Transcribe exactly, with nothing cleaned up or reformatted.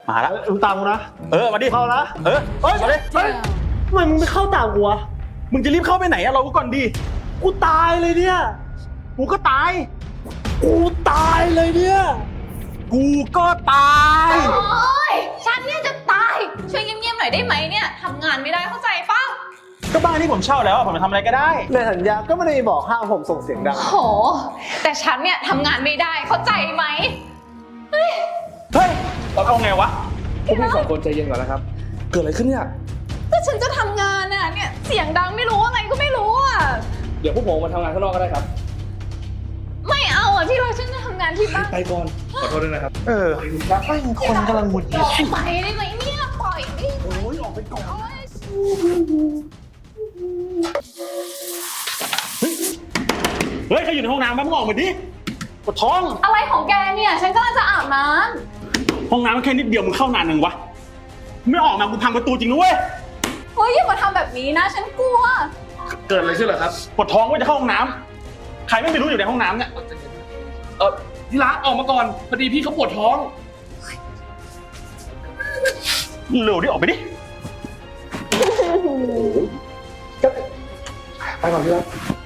มาแล้วมึงตามกูนะเออมาดิเข้านะเออเฮ้ยมาดิเฮ้ยทำไมมึงไม่เข้าตามกูวะมึงจะรีบเข้าไปไหนอะเราก็ก่อนดิกูตายเลยเนี่ยกูก็ตายกูตายเลยเนี่ยกูก็ตายโอ๊ยฉันเนี่ยจะตายช่วยเงียบๆหน่อยได้ไหมเนี่ยทำงานไม่ได้เข้าใจป่ะก็บ้านที่ผมเช่าแล้วอะผมจะทำอะไรก็ได้ในสัญญาก็ไม่ได้บอกห้ามผมส่งเสียงดังโหแต่ฉันเนี่ยทำงานไม่ได้เข้าใจไหมเฮ้ยเราเอาไงวะพวกพี่สองคนใจเย็นก่อนนะครับ เกิดอะไรขึ้นเนี่ยก็ฉันจะทำงานน่ะเนี่ยเสียงดังไม่รู้อะไรก็ไม่รู้อ่ะเดี๋ยวพวกผมมาทำงานข้างนอกก็ได้ครับไม่เอาอ่ะที่เราฉันจะทำงานที่บ้านไปก่อน ขอโทษด้วยนะครับเออไม่งคนกำลังหงุดหงิดไปได้ไหมเนี่ยปล่อยดิโอ้ยออกไปก่อนเฮ้ยใครอยู่ในห้องน้ำบ้างมึงออกมาดิปวดท้องอะไรของแกเนี่ยฉันกำลังจะอาบน้ห้องน้ำมันแค่นิดเดียวมึงเข้านานหนึ่งวะ ไม่ออกมากูพังประตูจริงนะเว้ยำเฮ้ยอย่ามาทำแบบนี้นะฉันกลัวเกิดอะไรขึ้นเหรอครับปวดท้องว่าจะเข้าห้องน้ำใครไม่รู้อยู่ในห้องน้ำเนี่ยเออที่รักออกมาก่อน พอดีพี่เขาปวดท้องเร็วดิออกไปดิไปก่อนที่รัก